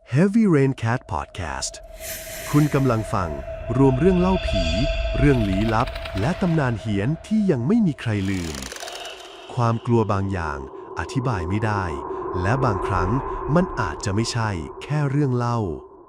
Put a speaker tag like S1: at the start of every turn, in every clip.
S1: Heavy Rain Cat Podcast คุณกำลังฟังรวมเรื่องเล่าผี เรื่องลี้ลับ และตำนานเฮี้ยนที่ยังไม่มีใครลืม ความกลัวบางอย่างอธิบายไม่ได้ และบางครั้งมันอาจจะไม่ใช่แค่เรื่องเล่า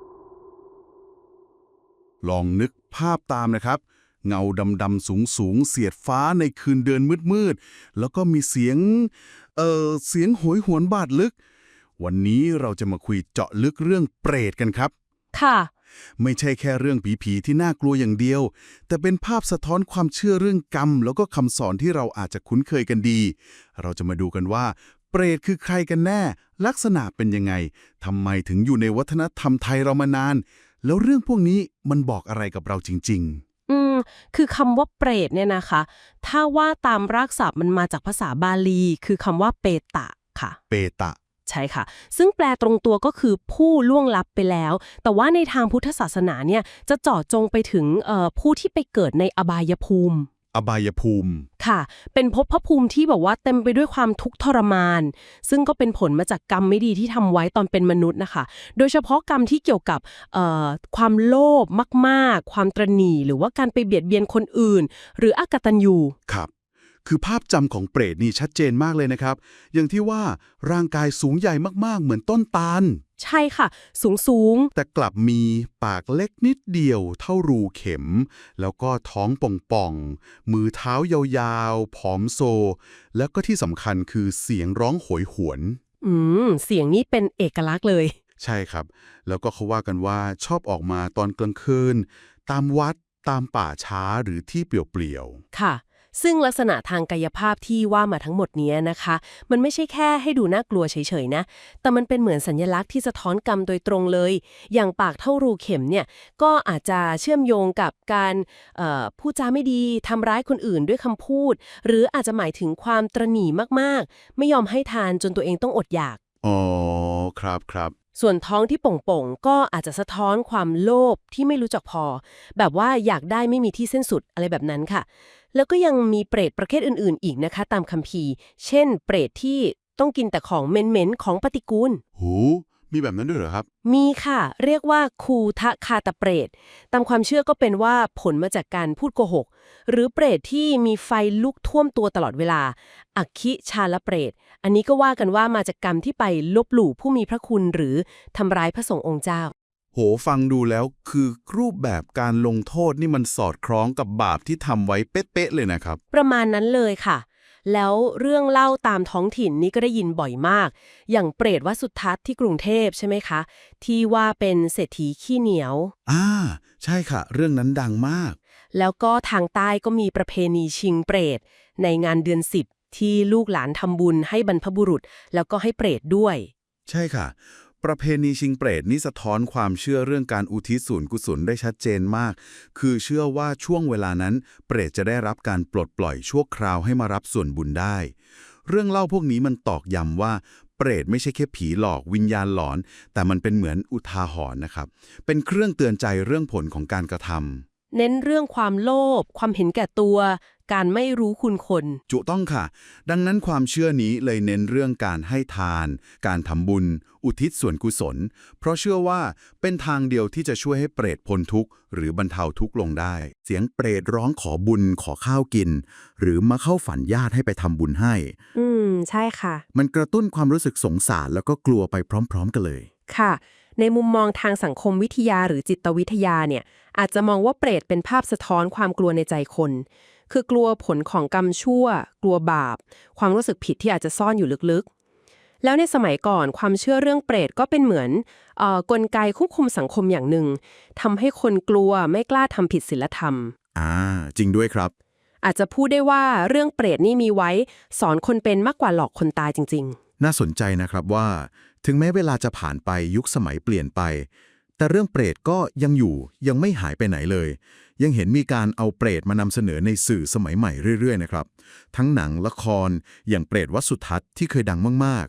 S2: ลองนึกภาพตามนะครับ เงาดำๆสูงๆเสียดฟ้าในคืนเดือนมืดๆแล้วก็มีเสียงโหยหวนบาดลึก วันนี้เราจะมาคุยเจาะลึกเรื่องเปรตกันครับ
S3: ค่ะ
S2: ไม่ใช่แค่เรื่องผีๆที่น่ากลัวอย่างเดียว แต่เป็นภาพสะท้อนความเชื่อเรื่องกรรม แล้วก็คำสอนที่เราอาจจะคุ้นเคยกันดี เราจะมาดูกันว่า เปรตคือใครกันแน่ ลักษณะเป็นยังไงทำไมถึงอยู่ในวัฒนธรรมไทยเรามานาน แล้วเรื่องพวกนี้มันบอกอะไรกับเราจริง
S3: คือคำว่าเปรตเนี่ยนะคะ ถ้าว่าตามรากศัพท์มันมาจากภาษาบาลี คือคำว่าเปตะค่ะ
S2: ๆ เปตะ
S3: ใช่ค่ะ ซึ่งแปลตรงตัวก็คือผู้ล่วงลับไปแล้ว แต่ว่าในทางพุทธศาสนาเนี่ยจะเจาะจงไปถึงผู้ที่ไปเกิดในอบายภูมิ
S2: อบายภูมิ
S3: ค่ะ เป็นภพภูมิที่แบบว่าเต็มไปด้วยความทุกข์ทรมาน ซึ่งก็เป็นผลมาจากกรรมไม่ดีที่ทำไว้ตอนเป็นมนุษย์นะคะ โดยเฉพาะกรรมที่เกี่ยวกับความโลภมากๆ ความตระหนี่ หรือว่าการไปเบียดเบียนคนอื่น หรืออกตัญญู
S2: ครับ คือภาพจำของเปรตนี่ชัดเจนมากเลยนะครับ อย่างที่ว่าร่างกายสูงใหญ่มากๆ เหมือนต้นตาล
S3: ใช่ค่ะ สูง
S2: แต่กลับมีปากเล็กนิดเดียวเท่ารูเข็ม แล้วก็ท้องป่องๆ มือเท้ายาวๆ ผอมโซ แล้วก็ที่สำคัญคือเสียงร้องโหยหวน
S3: เสียงนี้เป็นเอกลักษณ์เลย
S2: ใช่ครับ แล้วก็เขาว่ากันว่าชอบออกมาตอนกลางคืน ตามวัด ตามป่าช้าหรือที่เปลี่ยว
S3: ค่ะ ซึ่งลักษณะทางกายภาพที่ว่ามาทั้งหมดนี้นะคะ มันไม่ใช่แค่ให้ดูน่ากลัวเฉยๆนะ แต่มันเป็นเหมือนสัญลักษณ์ที่สะท้อนกรรมโดยตรงเลย อย่างปากเท่ารูเข็มเนี่ย ก็อาจจะเชื่อมโยงกับการพูดจาไม่ดีทำร้ายคนอื่นด้วยคำพูด หรืออาจจะหมายถึงความตระหนี่มากๆ ไม่ยอมให้ทานจนตัวเองต้องอดอยาก
S2: ๆ อ๋อ ครับ
S3: ส่วนท้องที่ป่องๆ ก็อาจจะสะท้อนความโลภที่ไม่รู้จักพอ แบบว่าอยากได้ไม่มีที่สิ้นสุดอะไรแบบนั้นค่ะ แล้วก็ยังมีเปรตประเภทอื่นๆ อีกนะคะตามคัมภีร์ เช่น เปรตที่ต้องกินแต่ของเหม็นๆ ของปฏิกูล
S2: หู มีแบบนั้นด้วยเหรอครับ
S3: มีค่ะ เรียกว่าคูทะคาตเปรต ตามความเชื่อก็เป็นว่าผลมาจากการพูดโกหก หรือเปรตที่มีไฟลุกท่วมตัวตลอดเวลา อัคคิชาลเปรต อันนี้ก็ว่ากันว่ามาจากกรรมที่ไปลบหลู่ผู้มีพระคุณหรือทำร้ายพระสงฆ์องค์เจ้า
S2: โห ฟังดูแล้วคือรูปแบบการลงโทษนี่มันสอดคล้องกับบาปที่ทำไว้เป๊ะๆเลยนะครับ
S3: ประมาณนั้นเลยค่ะ แล้วเรื่องเล่าตามท้องถิ่นนี่ก็ได้ยินบ่อยมาก อย่างเปรตวัดสุทัศน์ที่กรุงเทพใช่ไหมคะ ที่ว่าเป็นเศรษฐีขี้เหนียว
S2: ใช่ค่ะ เรื่องนั้นดังมาก
S3: แล้วก็ทางใต้ก็มีประเพณีชิงเปรตในงานเดือน10ที่ลูกหลานทำบุญให้บรรพบุรุษ แล้วก็ให้เปรตด้วย
S2: ใช่ค่ะ ประเพณีชิงเปรตนี่สะท้อนความเชื่อเรื่องการอุทิศส่วนกุศลได้ชัดเจนมาก คือเชื่อว่าช่วงเวลานั้นเปรตจะได้รับการปลดปล่อยชั่วคราวให้มารับส่วนบุญได้ เรื่องเล่าพวกนี้มันตอกย้ำว่าเปรตไม่ใช่แค่ผีหลอกวิญญาณหลอน แต่มันเป็นเหมือนอุทาหรณ์นะครับ เป็นเครื่องเตือนใจเรื่องผลของการกระทำ
S3: เน้นเรื่องความโลภความเห็นแก่ตัว การไม่รู้คุณคน
S2: จุต้องค่ะ ดังนั้นความเชื่อนี้เลยเน้นเรื่องการให้ทาน การทำบุญ อุทิศส่วนกุศล เพราะเชื่อว่าเป็นทางเดียวที่จะช่วยให้เปรตพ้นทุกข์หรือบรรเทาทุกข์ลงได้ เสียงเปรตร้องขอบุญขอข้าวกิน หรือมาเข้าฝันญาติให้ไปทำบุญให้
S3: ใช่ค่ะ
S2: มันกระตุ้นความรู้สึกสงสารแล้วก็กลัวไปพร้อมๆกันเลย
S3: ค่ะ ในมุมมองทางสังคมวิทยาหรือจิตวิทยาเนี่ย อาจจะมองว่าเปรตเป็นภาพสะท้อนความกลัวในใจคน คือกลัวผลของกรรมชั่ว กลัวบาป ความรู้สึกผิดที่อาจจะซ่อนอยู่ลึกๆ แล้วในสมัยก่อนความเชื่อเรื่องเปรตก็เป็นเหมือนกลไกควบคุมสังคมอย่างหนึ่งทำให้คนกลัวไม่กล้าทำผิดศีลธรรม
S2: จริงด้วยครับ
S3: อาจจะพูดได้ว่าเรื่องเปรตนี่มีไว้สอนคนเป็นมากกว่าหลอกคนตายจริงๆ
S2: น่าสนใจนะครับว่าถึงแม้เวลาจะผ่านไปยุคสมัยเปลี่ยนไป แต่เรื่องเปรตก็ยังอยู่ยังไม่หายไปไหนเลย ยังเห็นมีการเอาเปรตมานำเสนอในสื่อสมัยใหม่เรื่อยๆนะครับทั้งหนังละครอย่างเปรตวัดสุทัศน์ที่เคยดังมากๆ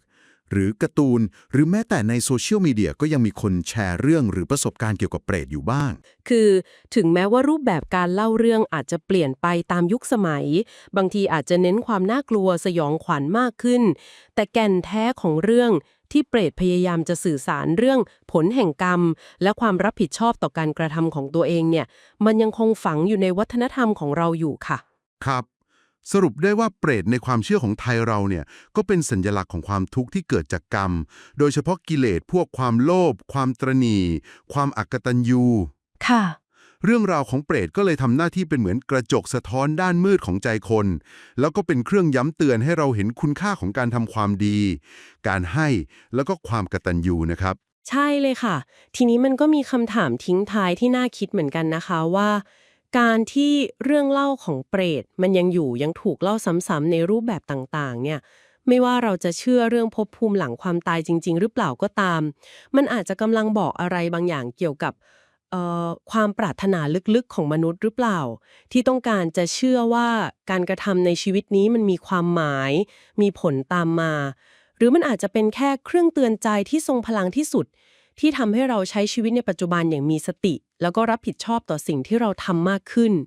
S2: หรือการ์ตูนหรือแม้แต่ในโซเชียลมีเดียก็ยังมีคนแชร์เรื่องหรือประสบการณ์เกี่ยวกับเปรตอยู่บ้าง
S3: คือถึงแม้ว่ารูปแบบการเล่าเรื่องอาจจะเปลี่ยนไปตามยุคสมัย บางทีอาจจะเน้นความน่ากลัวสยองขวัญมากขึ้น แต่แก่นแท้ของเรื่องที่เปรตพยายามจะสื่อสารเรื่องผลแห่งกรรม และความรับผิดชอบต่อการกระทำของตัวเองเนี่ย มันยังคงฝังอยู่ในวัฒนธรรมของเราอยู่ค่ะ
S2: ครับ สรุปได้ว่าเปรตในความเชื่อของไทยเราเนี่ยก็เป็นสัญลักษณ์ของความทุกข์ที่เกิดจากกรรม โดยเฉพาะกิเลสพวกความโลภความตระหนี่ความอกตัญญู
S3: ค่ะ
S2: เรื่องราวของเปรตก็เลยทำหน้าที่เป็นเหมือนกระจกสะท้อนด้านมืดของใจคน แล้วก็เป็นเครื่องย้ำเตือนให้เราเห็นคุณค่าของการทำความดี การให้แล้วก็ความกตัญญูนะครับ
S3: ใช่เลยค่ะ ทีนี้มันก็มีคำถามทิ้งท้ายที่น่าคิดเหมือนกันนะคะว่า การที่เรื่องเล่าของเปรตมันยังอยู่ยังถูกเล่าซ้ำๆในรูปแบบต่างๆเนี่ยไม่ว่าเราจะเชื่อเรื่องภพภูมิหลังความตายจริงๆหรือเปล่าก็ตาม มันอาจจะกำลังบอกอะไรบางอย่างเกี่ยวกับความปรารถนาลึกๆของมนุษย์หรือเปล่า ที่ต้องการจะเชื่อว่าการกระทำในชีวิตนี้มันมีความหมาย มีผลตามมา หรือมันอาจจะเป็นแค่เครื่องเตือนใจที่ทรงพลังที่สุด ที่ทำให้เราใช้ชีวิตในปัจจุบันอย่างมีสติ แล้วก็รับผิดชอบต่อสิ่งที่เราทำมากขึ้น